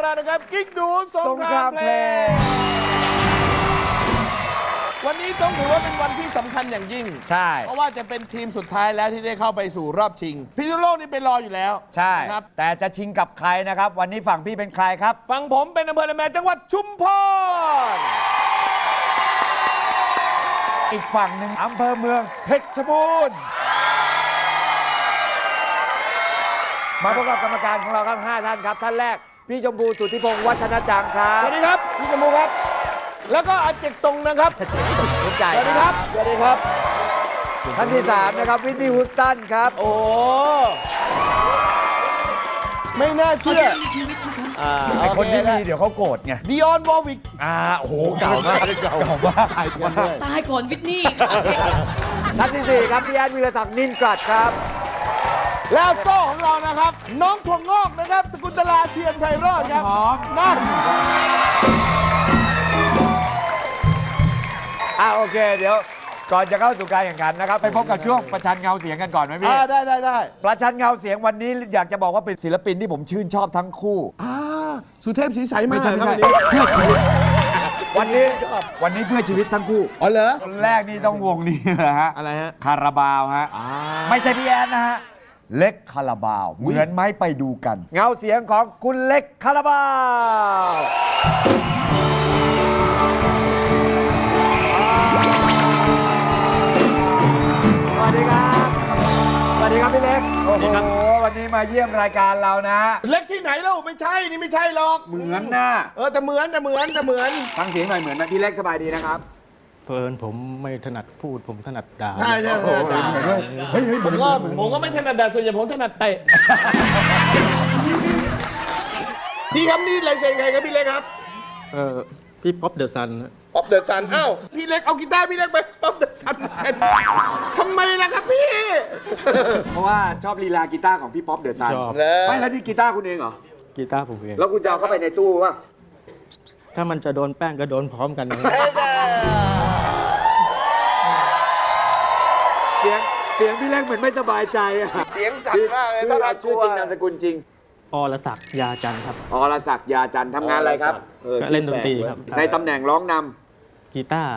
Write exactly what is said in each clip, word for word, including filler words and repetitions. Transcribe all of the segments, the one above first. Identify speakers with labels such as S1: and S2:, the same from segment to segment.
S1: แล้วนะครับกิ๊กดูสงครามเพลงวันนี้ต้องถือว่าเป็นวันที่สำคัญอย่างยิ่ง
S2: ใช่
S1: เพราะว่าจะเป็นทีมสุดท้ายแล้วที่ได้เข้าไปสู่รอบชิงพิษณุโลกนี่ไปรออยู่แล้ว
S2: ใช่
S1: ครับ
S2: แต่จะชิงกับใครนะครับวันนี้ฝั่งพี่เป็นใครครับ
S1: ฝั่งผมเป็นอำเภอละแมจังหวัดชุมพร
S2: อีกฝั่งหนึ่งอำเภอเมืองเพชรบูรณ์มาพบกับกรรมการของเราครับห้าท่านครับท่านแรกพี่ชมพูสุทธิพงศ์วัฒนจังครับ
S1: สวัสดีครับพี่ชมพูครับแล้วก็อาเจกตรงนะครับ
S2: สนใจ
S1: สวัสดีครับสวัสดีครับ
S2: ท่านที่สามนะครับวินนี่ฮูสตันครับ
S1: โอ้ไม่น่าเชื่อ
S2: ไอคนที่มีเดี๋ยวเขาโกรธไง
S1: ดิออนวอลวิก
S2: อ่าโอ้โหเก่ามากเก่ามาก
S3: ตายก่อนวิทนี่
S2: ท่านที่สี่ครับพี่แอนวิรศักดิ์นินกรัดครับ
S1: แล้วโซ่ของเรานะครับน้องถั่วงอกนะครับสกุลตลาเทียนไพโรจน์ครับ
S2: หอม
S1: นั่น
S2: อ่าโอเคเดี๋ยวก่อนจะเข้าสู่การแข่งขันนะครับไปพบกับช่วงประชันเงาเสียงกันก่อนไหมพี่
S1: ได้ได้ได้
S2: ประชันเงาเสียงวันนี้อยากจะบอกว่าเป็นศิลปินที่ผมชื่นชอบทั้งคู่
S1: อ่าสุเทพศรีใสมา
S2: ไม่ใช่
S1: ครับ
S2: เพื่อชีวิตวันนี้วันนี้เพื่อชีวิตทั้งคู่
S1: อ๋อเหรอ
S2: คนแรกนี่ต้องวงนี้นะฮะ
S1: อะไรฮะ
S2: คาราบาวฮะไม่ใช่พี่แอนนะฮะเล็กคาราบาวเหมือนไหมไปดูกันเงาเสียงของคุณเล็กคาราบาวสวัสดีครับสวัสดีครับพี่เล็กโอ้โหวันนี้มาเยี่ยมรายการเรานะ
S1: เล็กที่ไหนเล่าไม่ใช่นี่ไม่ใช่หรอก
S2: เหมือนนะ
S1: เออแต่เหมือนแต่เหมือนแต่เหมือน
S2: ฟังเสียงหน่อยเหมือนไหมพี่เล็กสบายดีนะครับ
S4: เพลินผมไม่ถนัดพูดผมถนัดด่า
S1: ใช่ใช่ใช่เฮ้ยผมก็ผมก็ไม่ถนัดด่าส่วนใหญ่ผมถนัดเตะพี่ครับนี่ลายเซ็นใครครับพี่เล็กครับ
S4: เออพี่ป๊อปเดอะซัน
S1: ป๊อปเดอะซันอ้าวพี่เล็กเอากีตาร์พี่เล็กไปป๊อปเดอะซันเซ็นทำไมล่ะครับพี่
S2: เพราะว่าชอบลีลากีตาร์ของพี่ป๊อปเดอะซันไม่แล้วนี่กีตาร์คุณเองเหรอ
S4: กีตาร์ผมเอง
S2: แล้วคุณจะเอาเข้าไปในตู้ป่ะ
S4: ถ้ามันจะโดนแป้งก็โดนพร้อมกัน
S2: เสียงเสียงพี่เล็กเหมือนไม่สบายใจอะ
S1: เสียงสั่นมากเลยต้อง
S2: ชื่อจริงนามสกุลจริง
S4: อรศักดิ์ยาจันทร์ครับ
S2: อรศักดิ์ยาจันทร์ทำงานอะไรครับ
S4: ก็เล่นดนตรีครับ
S2: ในตำแหน่งร้องน
S4: ำกีตาร์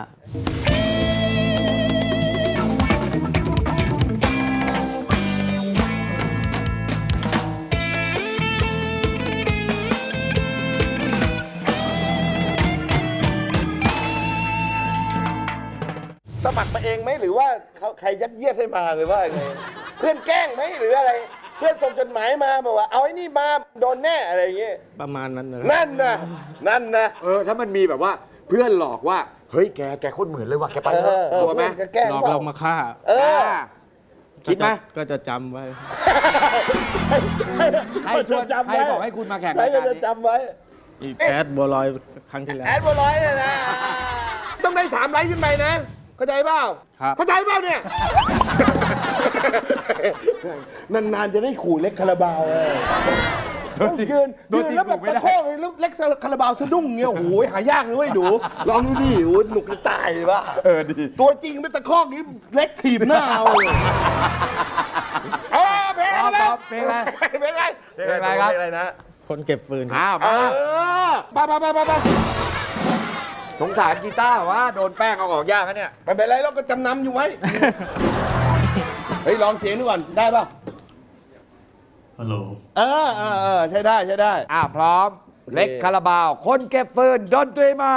S1: สมัครมาเองไหมหรือว่าเขาใครยัดเยียดให้มาหรือว่าไงเพื่อนแกล้งไหมหรืออะไรเพื่อนส่งจดหมายมาบอกว่าเอาไอ้นี่มาโดนแน่อะไรอย่างเงี้ย
S4: ประมาณนั้นเลย
S1: นั่นนะนั่นนะ
S2: เออถ้ามันมีแบบว่าเพื่อนหลอกว่าเฮ้ยแกแกโคตรเหมือนเลยว่ะแกไป
S1: กลัวไหม
S4: หลอกเรามาฆ่า
S1: เออ
S2: คิดไหม
S4: ก็จะจำไว้
S2: ใครชวนใครบอกให้คุณมาแข่ง
S1: ใครจะจำไว้
S4: อีแอดบัวลอยครั้งที่แล้ว
S1: แอดบัวลอยเนี่ยนะต้องได้สามไลค์ขึ้นไปนะเข้าใจเปล่าเข้าใจเปล่าเนี่ยนานๆจะได้ขู่เล็กคาราบาวเลยยืนยืนแล้วแบบตะโคกเลยแล้วเล็กคาราบาวสะดุ้งเงี้ยโอ้โหหายากเลยเว้ยดูลองดูดิโอ้หนุกจะตายเลยป่ะ
S2: เออดี
S1: ตัวจริงเป็นตะโคกนี้เล็กถีบหน้าเอาเลยเออเพลงอะไร
S2: เพลงอะไร
S1: เพลงอะไร
S2: เพลงอะไรครับ
S1: อะไรนะ
S4: คนเก็บฟืน
S2: อ้าว
S1: เออไปไปไปไป
S2: สงสารกีตาร์ว่าโดนแป้งเอาออกยากนะเนี่ย
S1: ไม่เป็นไรเราก็จำนำอยู่ไว้เฮ้ยลองเสียงดูก่อนได้ป่ะ
S4: ฮัลโหล
S1: เออเออเออใช่ได้ใช่ได้
S2: อ่าพร้อมเล็กคาราบาวคนเก็บฟืนดนตรีมา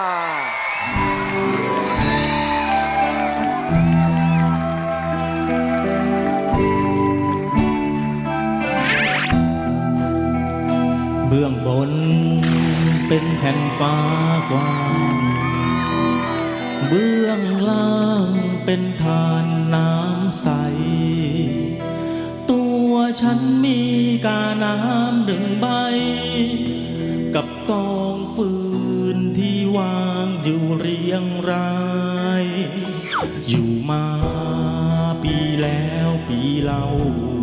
S4: เบื้องบนเป็นแผ่นฟ้ากว้างเบื้องล่างเป็นทานน้ำใสตัวฉันมีกาน้ำหนึ่งใบกับกองฟืนที่วางอยู่เรียงรายอยู่มาปีแล้วปีเล่า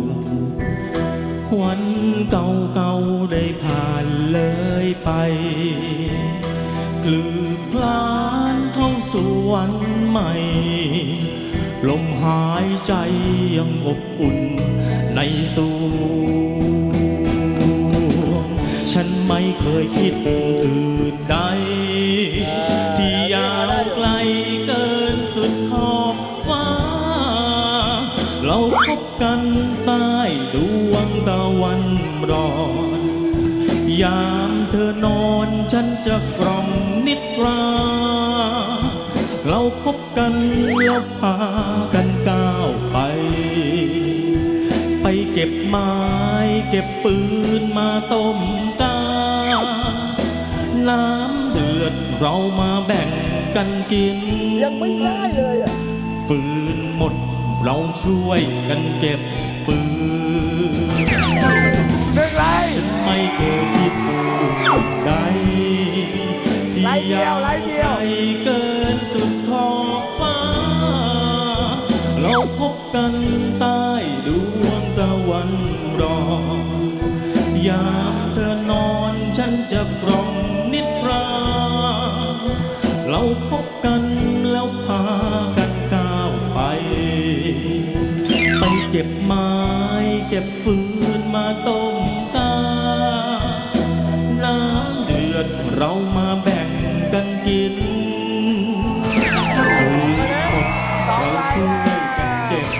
S4: วันเก่าๆได้ผ่านเลยไปกลืบคลานเข้าสู่วันใหม่ลมหายใจยังอบอุ่นในสวงฉัฉันไม่เคยคิดอื่นใด ที่ยาวไกลเกินสุดขอบฟ้า เราพบกันใต้ดวงตะวันรอน ยามเธอนอนฉันจะกล่อมนิทรา เราพบกันแล้วพากันก้าวไป ไปเก็บไม้เก็บปืนมาต้มกา น้ำเดือดเรามาแบ่งกันกิน
S1: ยังไม่ได้เลยอ่ะ
S4: ฟืนหมดเราช่วยกันเก็บฟืน
S2: ซึ่งไร
S4: ฉันไม่เคยคิดอื่นใดที่
S2: ไล่เดียวไล่เดียว
S4: ไกลเกินสุดขอบฟ้า เราพบกันใต้ดวงตะวันรอน ยามเธอนอนฉันจะกล่อมนิทรา เราพบกันแล้วพากันก้าวไป ไปเก็บไม้เก็บฟืนมาต้มกา น้ำเดือดเรามาแบ่งกันกินฟืนหมดเราช่วยกันเก็บ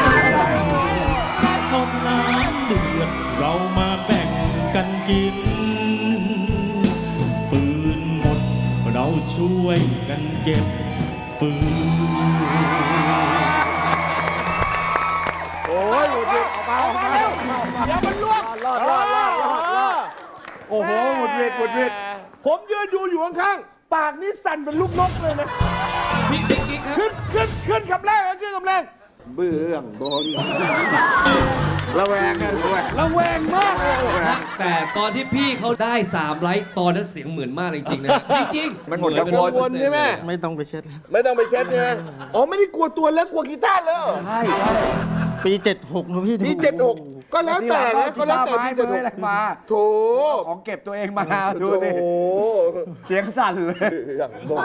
S4: พอน้ำเดือดเรามาแบ่งกันกินฟืนหมดเราช่วยกันเก็บฟืน
S2: โอ้ยหลุดหลุดออกมาออกมาออกมาออกมา
S1: เดี๋ยวมันล่วง
S2: รอดรอดรอดรอดรอดโอ้โหหมุดเวียดหมุดเวียด
S1: ผมยืนดูอยู่ข้างๆ ปากนี่สั่นเป็นลูกนกเลยนะ
S3: พี่พี่กิ๊กครับ
S1: ขึ้นขึ้นขึ้นคำแรกนะขึ้นคำแรก เบื้องบน
S2: ระแวงกันด้วย
S1: ระแวงมากเลย
S3: แต่ตอนที่พี่เขาได้สามไลค์ตอนนั้นเสียงเหมือนมากเลยจริงๆนะ จริงๆ
S2: มันหมด
S3: เอ
S2: กังวล
S1: วนใช่ไหม
S4: ไม่ต้องไปเช็ดแล้ว
S1: ไม่ต้องไปเช็ดใช่ไหมอ๋อไม่ได้กลัวตัวเล็กกลัวกีตาร์เลยเหรอ
S2: ใช่ใช่
S4: ปีเจ็ดหกนะพี่
S1: ปีเจ็ดหกก็แล้วแต่นะก็แล้วแต่
S2: ไม้
S1: ปี
S2: เบ
S1: เจ็ด
S2: อ
S1: ห
S2: ร์
S1: ก
S2: อะไรมา
S1: โถ
S2: ของเก็บตัวเองมาดูสิ
S1: โถ
S2: เสียงสั่นเลย
S1: อย่างบอก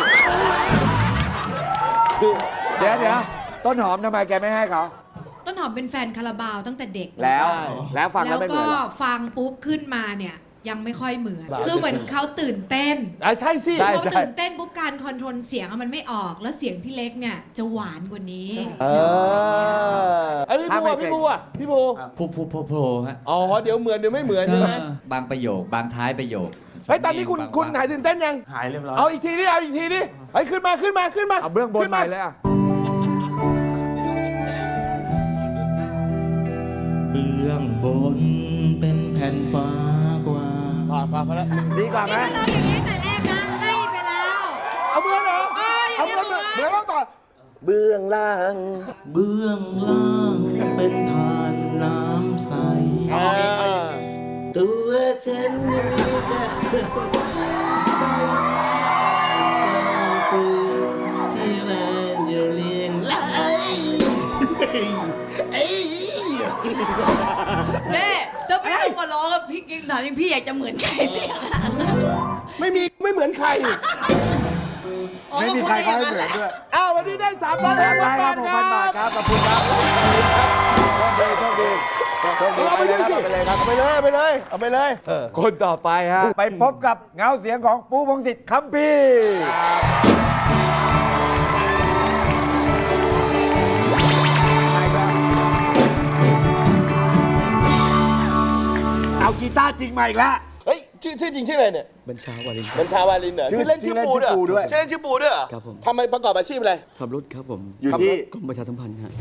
S2: เดี๋ยวเดี๋ยวต้นหอมทำไมแกไม่ให้เขา
S5: ต้นหอมเป็นแฟนคาราบาวตั้งแต่เด็ก
S2: แล้วแล้วฟัง
S5: แล้
S2: แล้ว
S5: ว
S2: ไม่เหมื
S5: ก็
S2: อนเหรอ
S5: ฟังปุ๊บขึ้นมาเนี่ยยังไม่ค่อยเหมือน คือเหมือนเขาตื่นเต้น
S1: อ่ะใช่สิ
S2: ใช่
S5: เขาตื่นเต้นปุ๊บการคอนโทรลเสียงอะมันไม่ออก แล้วเสียงพี่เล็กเนี่ยจะหวานกว่านี้
S1: เออไอ้พี่บัวพี่บัวพี่บัว
S3: พูพูพูพูฮะ
S1: อ๋อเดี๋ยวเหมือนเดี๋ยวไม่เหมือน
S3: เอ
S1: ใช่ไหม
S3: อบางประโยค บางท้ายประโยค
S1: เฮ้ยตอนนี้คุณคุณหายตื่นเต้นยัง
S4: หายเรียบร้อย
S1: เอาอีกทีดิเอาอีกทีดิเฮ้ยขึ้นมาขึ้นมาขึ้นมา
S2: เอาเบื้องบน
S1: ขึ้
S2: ใหม่เลยอ่ะ
S4: เบื้องบนเป็นแผ่นฟ้ากว้าง
S1: ผ่านผ่านมาแล้ว
S2: ดีกว่าไหม
S5: นี่มันเอาอย่างนี้แต่แรกนะ ให้ไปแล้ว
S1: เอาเมือนเหรอ
S5: เอ้ย
S1: เอาเมือน
S5: เดี๋
S1: เหมื
S5: ยว
S1: อนแล้วต่อเบื้องล่าง
S4: เบื้องล่างเป็นทานน้ำใส
S1: ตัวฉันนี่จะที่มันอยู่เรียงรายเอ้ย
S3: แม่ถ้าพี่ต้องมาร้องกับพี่กิ๊กถามจริงพี่อยากจะเหมือนใครเสียงอะ
S1: ไม่มีไม่เหมือนใคร
S3: อ๋อ
S2: ไม่
S3: ก็
S2: มี
S3: พูด
S2: ใคร
S3: ได้อ
S2: เขา
S3: ย่าง
S2: ให้
S3: นั้น
S2: เห
S3: แห
S2: มือน
S3: ละ
S2: ด้วย
S1: อ้าววันนี้ได้สามพัน
S2: ได้
S1: ห้า
S2: ค
S1: พั
S2: รั
S1: น
S2: บ
S1: บาท
S2: หกพันบาทครับขอบคุณครับโชคดีโชคดีโชคดี
S1: เอา
S2: ไป
S1: ไป
S2: เล
S1: เลย ย
S2: ครับ
S1: สิ
S2: ไปเลยครับ
S1: เอาไปเลยเอาไปเลยเอาไปเลย
S2: คนต่อไปฮะ ไปพบกับเงาเสียงของปูพงศิษฐ์คัมภีร์เอากีตาร์จริงมาอีกแล้ว
S1: เฮ้ยชื่อชื่อจริงชื่ออะไรเนี่ย
S6: บัญชาวาริน
S1: บัญชาวาลินเหรอ
S2: ชื่อ
S1: ชื่อเล่นชื่อปู
S2: ชื่อเล่นชื่อปูด้วย
S1: ชื่อเล่นชื่อปูด้วยเหรอ
S6: ครับผม
S1: ทำไมประกอบอาชีพอะไร
S6: ขับรถครับผม
S2: อยู่ที่
S6: กรมประชาสัมพันธ์ฮะ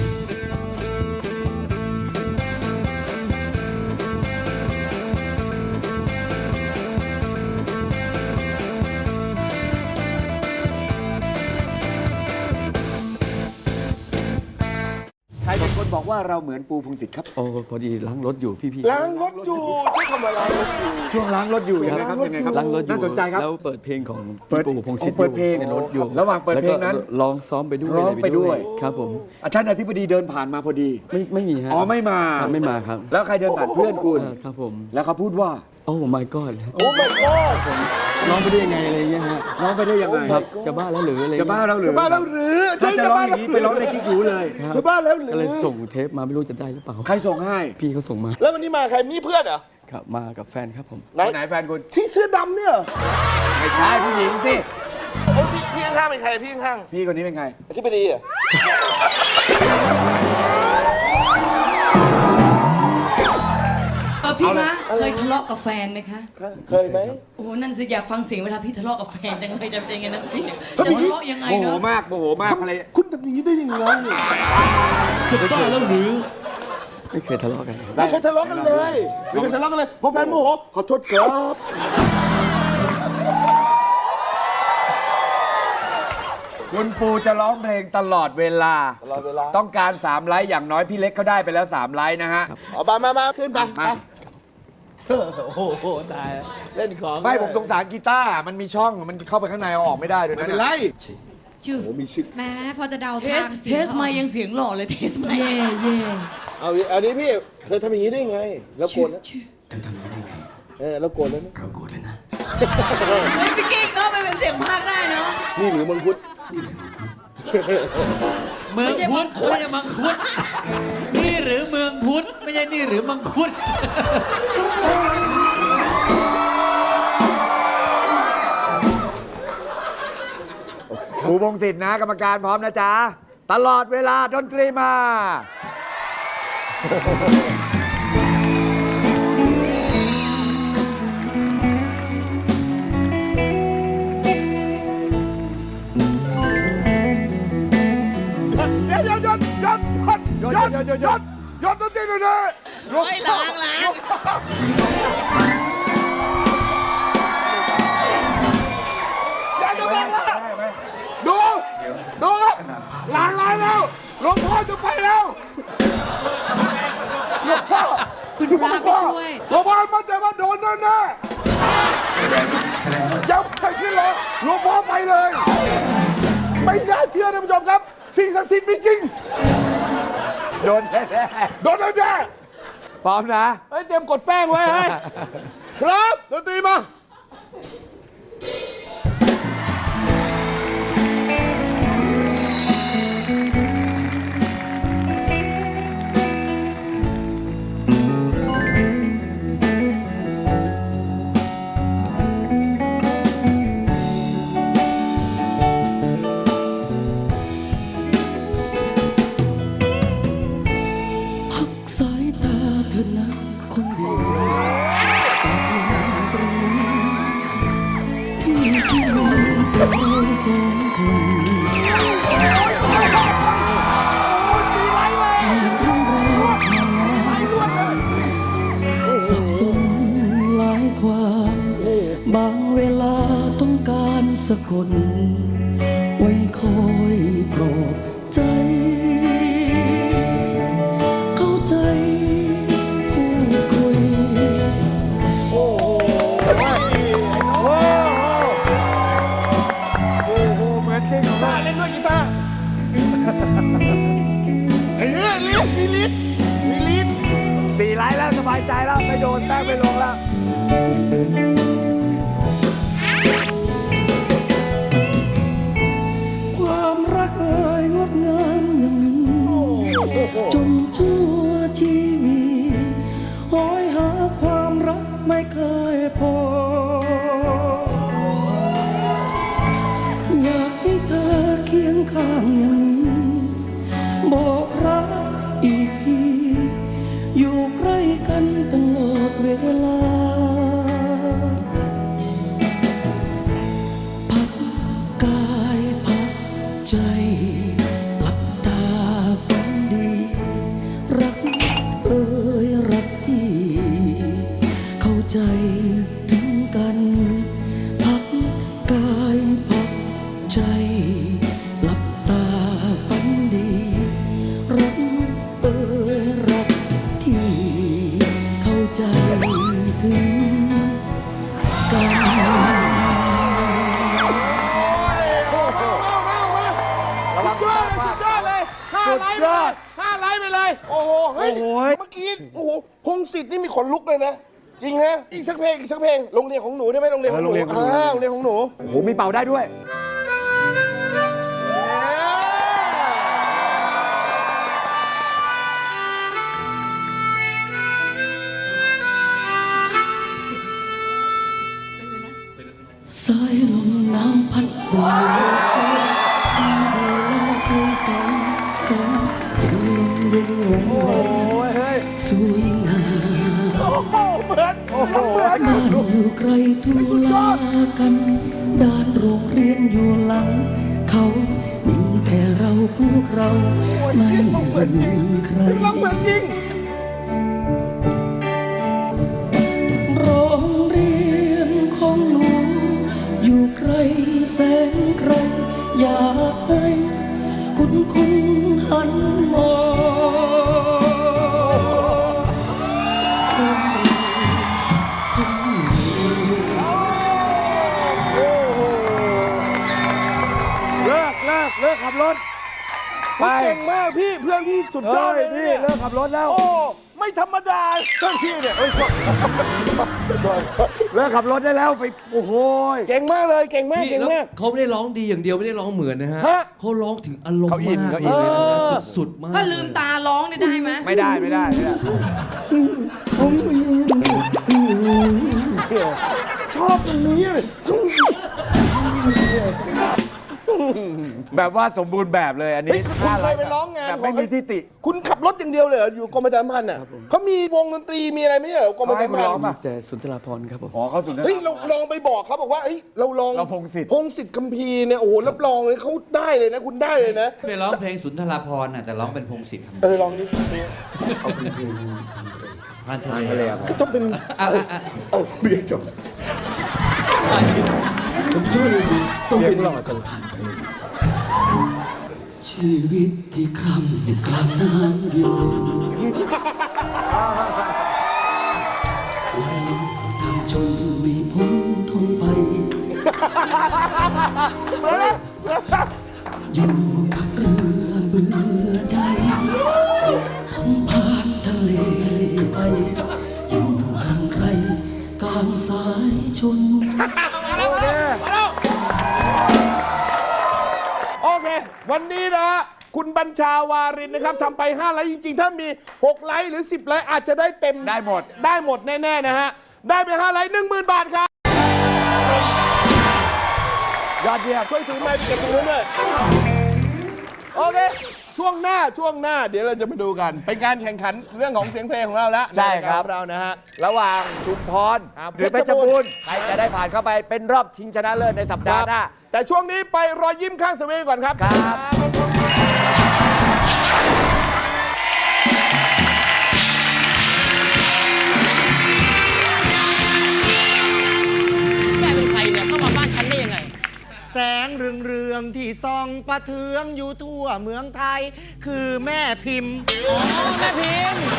S2: ใครเป็นคนบอกว่าเราเหมือนปูพงศิษฐ์ครับ
S6: โอ้พอดีล้างรถอยู่พี่พี่
S1: ล้างรถอยู่ใช้คำว่าล้างรถอยู่
S2: ช่วงล้างรถอยู่ยังไงครับยังไงครับ
S6: ล้างรถอยู่
S2: น่าสนใจครับ
S6: แล้วเปิดเพลงของ
S2: เปิด
S6: พี่ปู่พงศิษฐ์
S2: อ๋อเปิดเพลง
S6: ในรถอยู่
S2: ระหว่างเปิดเพลงนั้น
S6: แวก็ร้องซ้อมไปด้วย
S2: ร้องไปด้วย
S6: ครับผม
S2: อาจารย์อธิบดีเดินผ่านมาพอดี
S6: ไม่ไม่มีฮะ
S2: อ๋อไม่มา
S6: ครับไม่มาครับ
S2: แล้วใครเดินผ่านเพื่อนคุณ
S6: เออครับผม
S2: แล้วเขาพูดว่า
S6: โอ้ my god
S1: โอ้ my god
S6: ร้องไปได้ยังไงอะไรเงี้ยฮะ
S2: ร้องไปได้ยังไง
S6: ครับจะบ้าแล้วหรืออะไร
S2: จะบ้าแล้วหรือ
S1: จะบ้าแล้วหรือ
S2: ถ้าจะร้องอย่างนี้ไปร้องในกิ๊กหูเลย
S6: ครับ
S1: จะบ้าแล้วหรื
S6: ก็เลย
S1: อ
S6: ส่งเทปมาไม่รู้จะได้หรือเปล่า
S2: ใครส่งให้
S6: พี่เขาส่งมา
S1: แล้ววันนี้มาใครมีเพื่อนเหรอ
S6: ครับมากับแฟนครับผม
S1: ไหน
S2: ไหนแฟนคุณ
S1: ที่เสื้อดำเนี่ยเหรอ
S2: ไม่ใช่ผู้หญิงสิ
S1: โอ้พี่พี่ข้างๆเป็นใครพี่ข้าง
S2: พี่คนนี้เป็นไง
S1: ๆที่ไปดีอ่ะ
S7: เออพี่คะเคยทะเลาะกับแฟนไหมคะ
S1: เคยไหม
S7: โอ้นั่นสิอยากฟังเสียงเวลาพี่ทะเลาะกับแฟนจังเลยจะเป็นยังไงน้ำเสียงจะทะเลาะยังไง
S2: โมโห
S7: เนาะ
S2: มากโมโหมากอะไร
S1: คุณทำอย่างนี้ได้ยังไง
S3: จะบ้าแล้วหรือ
S6: ไม่เคยทะเลาะกันครับ
S1: ไม่เคยทะเลาะกันเลยไม่เคยทะเลาะกันเลยพอแฟนโมโหขอโทษครับ
S2: คุณปูจะร้องเพลงตลอดเวลา
S1: ตลอดเวลา
S2: ต้องการสามไลค์อย่างน้อยพี่เล็กเขาได้ไปแล้วสามไลค์นะฮะ
S1: เอามามามาขึ้นไป
S2: มา
S1: โอ้โหตายเล่นของ
S2: ไม่ผมสงสารกีตาร์มันมีช่องมันเข้าไปข้างในเอาออกไม่ได้ด้วย
S1: ไม่
S2: นะ
S1: เป็นไร
S5: ชื่อ
S1: โอ้มีสิทธิ์
S5: แม้พอจะเดา
S7: เทส
S5: ทางเสี
S7: เท
S5: ยง
S7: สไม่ยังเสียงหล่อเลยเทสไม่เย่เย่
S1: เอาอันนี้พี่เธอทำอย่างนี้ได้ไง แล้วโกรธนะ
S6: เธอทำอย่างนี้ได้ไง
S1: เออแล้วโกรธแล้วนะ
S6: เราโกรธเลยนะ
S7: เฮ้ยพี่กิ๊กเนาะไปเป็นเสียงภาคได้เนาะ
S1: นี่หรือมังคุด
S3: เมืองพุทธไม่ใช่มังคุดนี่หรือเมืองพุทธไม่ใช่นี่หรือมังคุด
S2: ครูบงศิษย์นะกรรมการพร้อมนะจ๊ะ ตลอดเวลาดนตรีมา
S1: เดี๋ยวหยุดหยุดหยุดหยุดหยุดหยุดหยุดหยุดหยุดดนตรีหน่อยนะหยุด
S7: เฮ้ยล้างล้าง
S1: อย่าจะบอกว่าดูดูแล้วหลังร้านแล้วหลวงพ่อจะไปแล้วหลวงพ่อ
S5: คุณพระไปช่วย
S1: หลวงพ่อมั่นใจว่าโดนแน่แน่ๆยังไปขึ้นเลยหลวงพ่อไปเลย ไม่น่าเชื่อท่านผู้ชมครับ สิ่งศักดิ์สิทธิ์มีจริง
S2: โดนแน่
S1: โดนแน่
S2: ๆพร้อมนะ
S1: ๆเฮ้ยเตรียมกดแป้งไว้ให้ครับดนตรีมา
S4: พักสายตาเธอนะคนดีตรงนี้ที่ที่มีแต่เราสองคนสับสนหลายความบางเวลาต้องการสักคนไว้คอยปลอบใจ เข้าใจพูดคุย
S1: โอ้โห
S2: โอ้โหโอ้โหเหมือนจริง
S1: กีตาร์เล่นด้วยกีตาร์ไอ้เนี่ยลิ้นมีลิ้นมีลิ้น
S2: สี่ไลค์แล้วสบายใจแล้วไม่โดนแป้งไม่ลงแล้ว
S4: ความรักเอ่ยงดงามอย่างนี้จนชั่วชีวิตหอยหาความรักไม่เคยพอ อยากให้เธอเคียงข้างอย่างนี้บอกรักอีกทีอยู่ใกล้กันตลอดเวลา พักกายพักใจหลับตาฝันดี รักเอ่ยรักที่เข้าใจถึงกัน พักกายพักใจหลับตาฝันดี รักเอ่ยรักที่เข้าใจถึงกัน
S1: ระวังสุดยอดเลยห้าไลค์ไปเลยห้าไลค์ไปเลย โอ้โห เฮ้ย เมื่อกี้ โอ้โห พงศิษฐ์นี่มีขนลุกเลยนะ จริงนะ อีกสักเพลง อีกสักเพลง โรงเรียนของหนูได้ไหมโรงเรียนของหนู
S2: เออโรงเรียนของหนู
S1: อ่าโรงเรียนของหนู
S2: โอ้โหมีเป่าได้ด้วย
S1: เ
S4: ายลมหนาวพัดโบกเราเสียสองสองเห็นลมเย็นแหวนแหวนสวยงาม
S1: โอ้โหเหมือนโอ้โห
S4: บ้านอยู่ไกลทุลากันด้านโรงเรียนอยู่หลังเขามีแต่เราพวกเราไม่มีใคร
S1: ร้องเหมือนจริง
S4: โรงเรียนของหนูอยู่ไกลแสนไกลอยากให้คุณคุณหันมองโรงเรียนของหนู
S2: เลิกเลิกเลิกขับรถ ไป
S1: เก่งมากพี่เพื่อนพี่สุดยอด
S2: เฮ้ย
S1: เลย
S2: พี่
S1: เนี่ย
S2: เลิกขับรถแล้ว
S1: โอ้ไม่ธรรมดาเพื่อนพี่เนี่ยเอ้ย
S2: เลิกขับรถได้แล้วไปโอ้โห
S1: เก่งมากเลยเก่งมาก
S6: นี่
S1: เก่ง
S6: แล้ว
S1: มาก
S6: เขาไม่ได้ร้องดีอย่างเดียวไม่ได้ร้องเหมือนนะฮะ
S1: ฮะ
S6: เขาร้องถึงอารมณ์
S2: เขาอิน
S6: มาก
S2: เขาอิน
S6: เลยนะฮะสุดๆมาก
S7: ถ้าลืมตาร้องเนี่ยได้ไหม
S2: ไม่ได้ไม่ได้ไม่ได้
S1: ชอบตรงนี้เลย
S2: แบบว่าสมบูรณ์แบบเลยอันนี้
S1: เฮ้ยคุณเคยไปร้องงาน
S2: แบบไม่มีทิฏฐิ
S1: คุณขับรถอย่างเดียวเลยเหรออยู่กรมประชาสัมพันธ์อ่ะเขามีวงดนตรีมีอะไรไหมเหรอกรมประชาสัมพัน
S2: เขาให้คุณร้อง
S1: ธ์
S2: ป่ะ
S6: แต่สุนทราภรณ์ครับผม
S2: อ๋อเขาสุด
S1: เฮ้ยเราลองไปบอกเขาบอกว่าเฮ้ยเราลอง
S2: เราพงศิษฐ์
S1: พงศิษฐ์คัมภีร์เนี่ยโอ้โหรับรองเลยเขาได้เลยนะ คุณได้เลยนะ
S3: ไม่ร้องเพลงสุนทราภรณ์น่ะแต่ร้องเป็นพงศิษฐ์
S1: เออลองดิ
S6: เอาเป็นเพลง
S3: พันทะ
S2: ทะเล
S3: เล
S2: ครับ
S1: ก็ต้องเป็นเออเออเบียร์จบ
S6: ผมชอบเลยดีต้องเป็นหล่อตลอด
S4: ชีวิตที่คร่ำกลางน้ำเย็นวันลมทางชนไม่พ้นทนไป อยู่กับเรือเบื่อใจทำผ่านทะเลไป อยู่ห่างไกลกลางสายชน
S1: โอเค วันนี้นะฮะคุณบัญชาวารินนะครับทำไปห้าไลค์จริงๆ ถ้ามีหกไลค์หรือสิบไลค์อาจจะได้เต็ม
S2: ได้หมด
S1: ได้หมดแน่ๆนะฮะได้ไปห้าไลค์หนึ่งหมื่นบาทครับ
S2: ยอดเยี่ยม
S1: ช่วยถือไมค์ไปเก็บตรงนู้นด้วยโอเค ช่วงหน้าช่วงหน้าเดี๋ยวเราจะมาดูกัน เป็นการแข่งขันเรื่องของเสียงเพลงของเราแล้ว
S2: ใช่ครับ
S1: นายกาของเรานะฮะ
S2: ระหว่างชุมพร
S1: ครับ
S2: หรือเพชรบูรณ์ใครจะได้ผ่านเข้าไปเป็นรอบชิงชนะเลิศในสัปดาห์หน้า
S1: แต่ช่วงนี้ไปรอยยิ้มข้างสวีก่อนครับ
S2: ครับ
S8: แกเป็นใครเนี่ยเข้ามาบ้านฉันได้ยังไง
S9: แสงเรืองเรืองๆที่ส่องประเทืองอยู่ทั่วเมืองไทย คือแม่พิมพ์
S8: อ๋อ แม่พิมพ์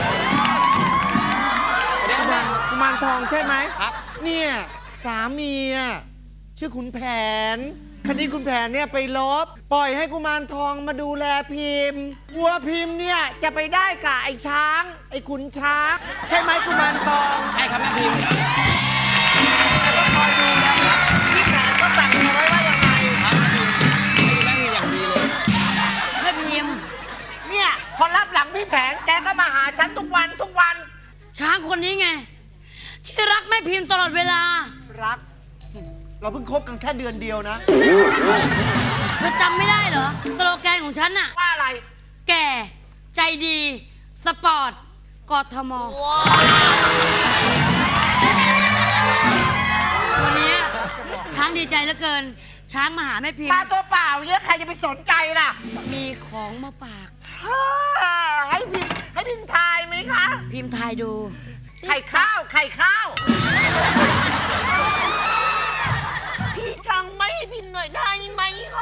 S8: เดี๋ยว
S9: กุ
S8: แม่
S9: มารกุมารทองใช่ไหม
S8: ครับ
S9: เนี่ยสามีอะชื่อขุนแผนคดีขุนแผนเนี่ยไปลบ ปล่อยให้กุมารทองมาดูแลพิมพ์วัวพิมพ์เนี่ยจะไปได้กับไอ้ช้าง ไอ้ขุนช้าง ใช่ไหมกุมารทอง
S8: ใช่ครับแม่พิมพ์
S9: แต่ก็คอยดูนะครับพี่แผนก็สั่งเอาไว้ว่ายังไง
S8: ครับแม่พิมพ์ให้ดูแม่พิมพ์อย่างดีเลย
S7: แม่พิมพ์
S9: เนี่ยพอรับหลังพี่แผนแกก็มาหาฉันทุกวันทุกวัน
S7: ช้างคนนี้ไง ที่รักแม่พิมพ์ตลอดเวลา
S9: รัก เราเพิ่งคบกันแค่เดือนเดียวนะ
S7: เธอจำไม่ได้เหรอ สโลแกนของฉันน่ะ
S9: ว่าอะไร
S7: แก่ ใจดี สปอร์ต กทม วันนี้ช้างดีใจเหลือเกิน ช้างมาหาแม่พิม
S9: มา
S7: พ์
S9: ตัวเปล่าเนี่ยใครจะไปสนใจล่ะ
S7: มีของมาฝาก
S9: ให้พิมพ์ให้พิมพ์ทายไหมคะ
S7: พิมพ์ทายดู
S9: ไข่ข้าว ไข่ข้าว พี่ช่างไม่ให้พิมพ์หน่อยได้ไหมคะ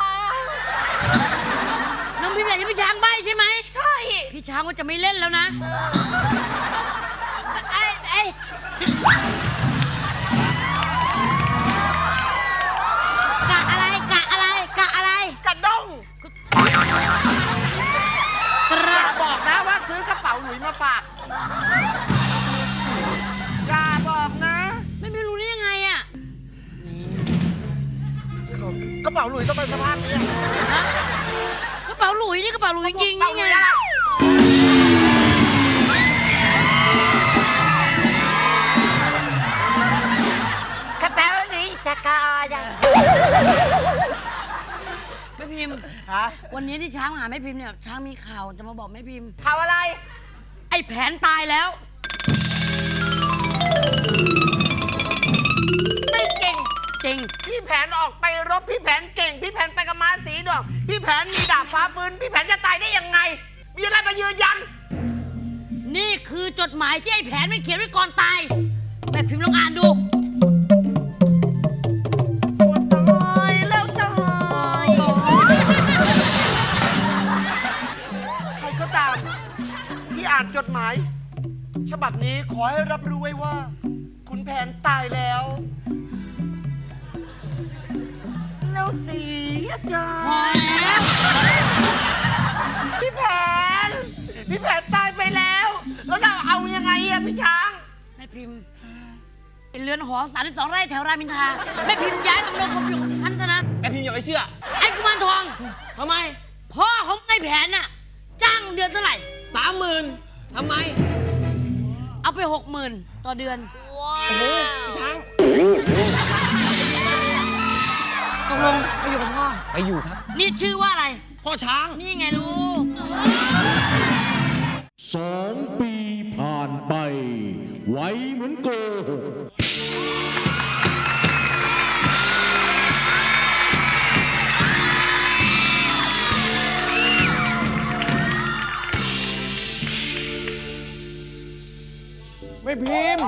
S7: น้องพิมพ์อยากจะพี่ช้างใบใช่ไหม
S9: ใช่
S7: พี่ช้างก็จะไม่เล่นแล้วนะไอ้ไอ้กะอะไร กะอะไร กะอะไร
S9: กระด้ง
S7: ก
S9: อ
S7: ระ
S9: ย่าบอกนะว่าซื้อกระเป๋าหลุยมาฝากอย่าบอกนะ
S7: ไม่ไม่รู้ได้ยังไงอะ
S9: กระเป๋าหลุยต้องเป็นสภาพนี้
S7: ฮะกระเป๋าหลุยนี่กระเป๋าหลุยจริงๆนี่ไง
S9: กระเป๋าหลุยจะกายัง
S7: วันนี้ที่ช้างมาหาแม่พิมพ์เนี่ยช้างมีข่าวจะมาบอกแม่พิมพ์
S9: ข่าวอะไร
S7: ไอ้แผนตายแล้ว
S9: ไม่เก่ง
S7: จริง
S9: พี่แผนออกไปรบพี่แผนเก่ง พี่แผนไปกับม้าสีดอกพี่แผนมีดาบฟ้าฟื้นพี่แผนจะตายได้ยังไง มีอะไรมายืนยัน
S7: นี่คือจดหมายที่ไอ้แผนมันเขียนไว้ก่อนตายแม่พิมพ์ลองอ่านดู
S9: ตายแล้วตายใครก็ตามที่อ่านจดหมาย ฉบับนี้ขอให้รับรู้ไว้ว่า คุณแผนตายแล้ว แล้วเสียใจ
S7: พอแล้ว
S9: พี่แผน พี่แผนตายไปแล้ว แล้วเราเอายังไงอะพี่ช้าง
S7: แม่พิมพ์ไอ้เรือนหอสามสิบสองไร่แถวรามอินทราแม่พิมพ์ย้ายตำรวจผมอยู่กับฉันเถอะนะ
S8: แม่พิมพ์อย่าไปเชื่อ
S7: ไอ้กุมารทอง
S8: ทำไม
S7: พ่อของไอ้แผนน่ะ จ้างเดือนเท่าไหร่
S8: สามหมื่นทำไม
S7: เอาไปหกหมื่นต่อเดือน
S8: โอ้โหพี่ช้าง
S7: ตกลงไปอยู่กับพ่อ
S8: ไปอยู่ครับ
S7: นี่ชื่อว่าอะไร
S8: พ่อช้าง
S7: นี่ไงลูก
S4: สองปีผ่านไป ไวเหมือนโกหก
S2: ไม่พิมพ์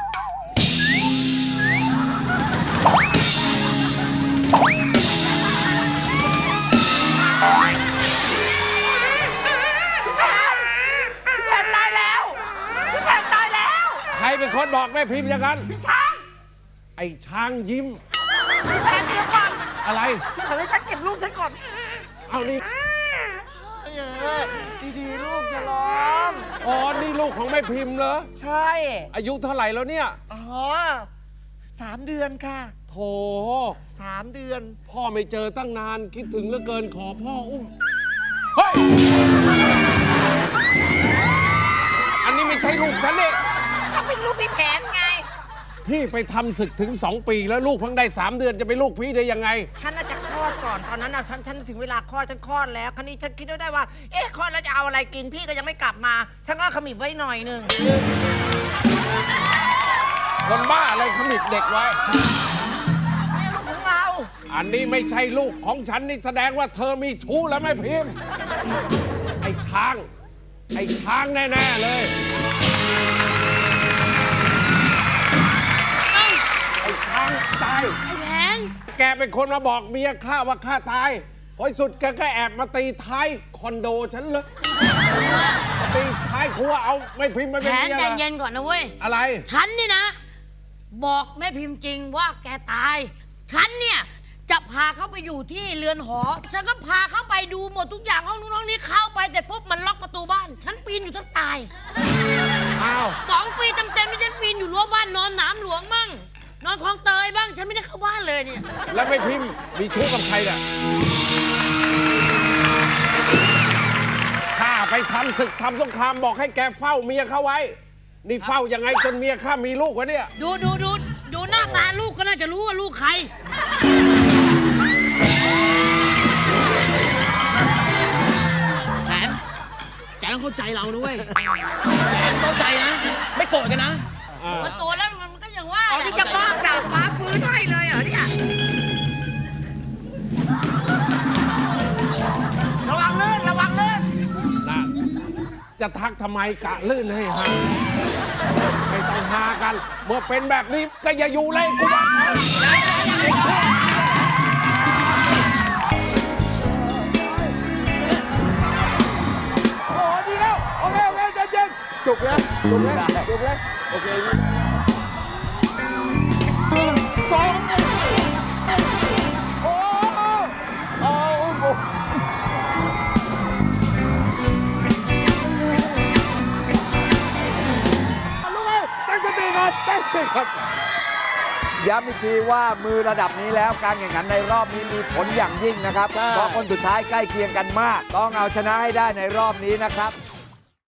S9: พี่แผนตายแล้ว พี่แผนตายแล้ว
S2: ใครเป็นคนบอกแม่พิมพ์อย่างนั้น
S9: พี่ช้าง
S2: ไอ้ช้างยิ้ม
S9: พี่แผนเดี๋ยวก่อน
S2: อะไร
S9: พี่แผนให้ฉันเก็บลูกฉันก่อน
S2: เอานี่
S9: เออดีๆลูกอย่าร้อง
S2: อ๋อ นี่ลูกของแม่พิมพ์เหรอ
S9: ใช่
S2: อายุเท่าไหร่แล้วเนี่ย
S9: อ๋อสามเดือนค่ะ
S2: โถ
S9: สามเดือน
S2: พ่อไม่เจอตั้งนาน คิดถึงเหลือเกินขอพ่ออุ้ม เฮ้ย อันนี้ไม่ใช่ลูกฉันนี่
S9: ก็เป็นลูกพี่แผนไง
S2: พี่ไปทำศึกถึงสองปีแล้วลูกเพิ่งได้สามเดือนจะเป็นลูกพี่ได้ยังไง
S9: ฉันน่าจะคลอดก่อน ตอนนั้นน่ะฉันฉันถึงเวลาคลอดฉันคลอดแล้ว คราวนี้ฉันคิดได้ว่า เอ๊ะคลอดแล้วจะเอาอะไรกินพี่ก็ยังไม่กลับมา ฉันก็ขมิบไว้หน่อยหนึ่ง
S2: คนบ้าอะไรขมิบเด็กไว้
S9: นี่ลูกของเรา
S2: อันนี้ไม่ใช่ลูกของฉันนี่แสดงว่าเธอมีชู้แล้วแม่พิมพ์ ไอ้ช้าง ไอ้ช้างแน่ๆเลย ไอ้ช้างตาย
S7: ไอ้แผน
S2: แกเป็นคนมาบอกเมียข้าว่าข้าตายพอสุดแกก็แอบมาตีท้ายคอนโดฉันเลยตีท้ายครัวเอาไม่พิมพ์ไม่
S7: แผ
S2: เป็น
S7: น
S2: เมีย
S7: ใจ
S2: เหรอ
S7: เย็นก่อนนะเว้ย
S2: อะไร
S7: ฉันนี่นะ บอกแม่พิมพ์จริงว่าแกตาย ฉันเนี่ยจะพาเขาไปอยู่ที่เรือนหอ ฉันก็พาเขาไปดูหมดทุกอย่างห้องนู้นห้องนี้เข้าไปแต่ปุ๊บมันล็อกประตูบ้าน ฉันปีนอยู่ทั้งตาย
S2: อ้าว
S7: สองปีเต็มๆที่ฉันปีนอยู่รั้วบ้านนอนหนามหลวงมั่งนอนคลองเตยบ้าง ฉันไม่ได้เข้าบ้านเลยเนี่ย
S2: แล้วไม่พิมพ์มีชู้กับใครเนี่ยข้าไปทำศึกทำสงครามบอกให้แกเฝ้าเมียเขาไว้ นี่เฝ้ายังไงจนเมียข้ามีลูกวะเนี่ย
S7: ดูดูดูดูหน้าตาลูกก็น่าจะรู้ว่าลูกใคร
S8: แผน แกต้องเข้าใจเราด้วยแผนเข้าใจนะ ไม่โกรธกันนะ
S7: มันโตแล้วมันก็อย่างว่า
S9: อ๋อที่จะมอบดาบฟ้าฟื้นให้เลยเหรอเนี่ย ระวังลื่นระวังลื่น
S2: นะจะทักทำไมกะลื่นให้ฮาไม่ต้องฮากัน เมื่อเป็นแบบนี้ก็อย่าอยู่เลยกูบอกโอ้ดีแล้ว โอเค โอเคใจเย็นจุกแล้วจุกแล้วจุกแล้วโอเคสองโอ้โอ้โอ้ ตั้งสติก่อนตั้งสติก่อนย้ำอีกทีว่ามือระดับนี้แล้วการแข่งขันในรอบนี้มีผลอย่างยิ่งนะครับ เพราะคนสุดท้ายใกล้เคียงกันมาก ต้องเอาชนะให้ได้ในรอบนี้นะครับ